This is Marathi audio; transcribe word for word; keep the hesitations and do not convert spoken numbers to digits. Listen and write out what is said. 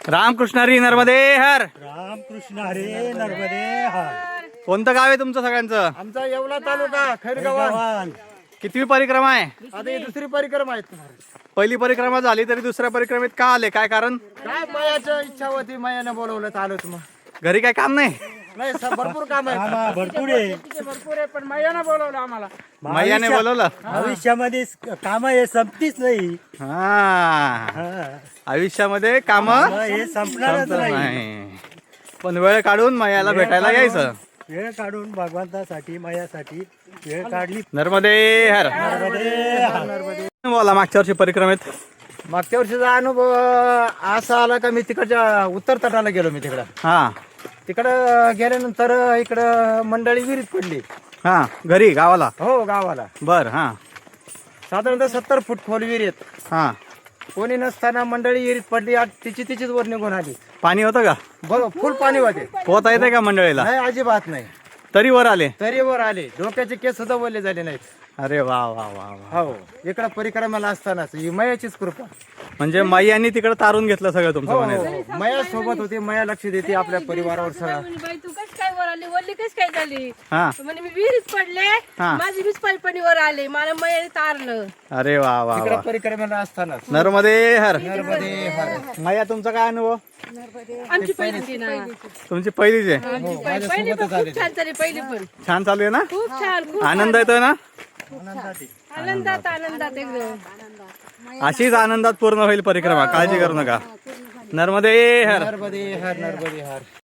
रामकृष्ण हरी नर्मदे हर. रामकृष्ण हरे नर्मदे हर. कोणतं गाव आहे तुमचं सगळ्यांचं? आमचा येवला तालुका खैरगाव. कितवी परिक्रमा आहे? आता ही दुसरी परिक्रमा आहे. पहिली परिक्रमा झाली तरी दुसऱ्या परिक्रमेत का आले? काय कारण? काय मायाची इच्छा होती, मायाने बोलवलं तर आलोच मग. घरी काय काम नाही? नाही स- भरपूर काम आहे. आम्हा भरपूर आहे. भरपूर आहे पण मायाने बोलवलं आम्हाला. मैयाने बोलवलं. भविष्यामध्ये काम हे संपतीच नाही. हा, हा. आयुष्यामध्ये काम मग हे संपणारच नाही. नाही, पण वेळ काढून मैयाला भेटायला यायचं. वेळ काढून भगवंतासाठी मायासाठी वेळ काढली. नर्मदे हर. नर्मदे हर. बोला मागच्या वर्षी परिक्रमेत. मागच्या वर्षीचा अनुभव असा आला का मी तिकडच्या उत्तर तटाला गेलो. मी तिकडं हा तिकडं गेल्यानंतर इकडं मंडळी विहिरीत पडली. हा घरी गावाला. हो गावाला बर. हा साधारणतः सत्तर फूट खोल विहिरीत. हा कोणी नसताना मंडळी विहिरीत पडली. आज तिची तिचीच वर निघून आली. पाणी होतं का? बघ फुल पाणी होते. पोहता येते का मंडळीला? नाही अजिबात नाही. तरी वर आले. तरी वर आले. डोक्याचे केस सुद्धा वरले झाले नाहीत. अरे वा वा वा वा. हो इकडं परिक्रमाला असतानाच ही मयाचीच कृपा. म्हणजे मैयांनी तिकडे तारून घेतलं सगळं तुमचं हो म्हणायचं. मया सोबत होती. मया लक्ष देते आपल्या परिवारावर सगळं. म्हणे, बाई तू कशी काय वर आली? वरली कशी काय झाली? हा म्हणे मी विहिरीत पडले. हा. माझी वीस पाणी वर आले. मला मयाने तारलं. अरे वा वा इकडं वा. परिक्रमाला असतानाच. नर्मदे हर. नर्मदे हर. मैया तुमचा काय अनुभव? आमची पहिली ना तुमची पहिलीच आहे. आमची पहिली पहिली पण खूप छान झाली. पहिली पण छान चालू आहे ना? खूप छान. खूप आनंद येतोय ना? आनंदात आनंदात एकदम. अशीच आनंदात पूर्ण होईल परिक्रमा. काळजी करू नका. नर्मदे हर. नर्मदे हर. नर्मदे हर.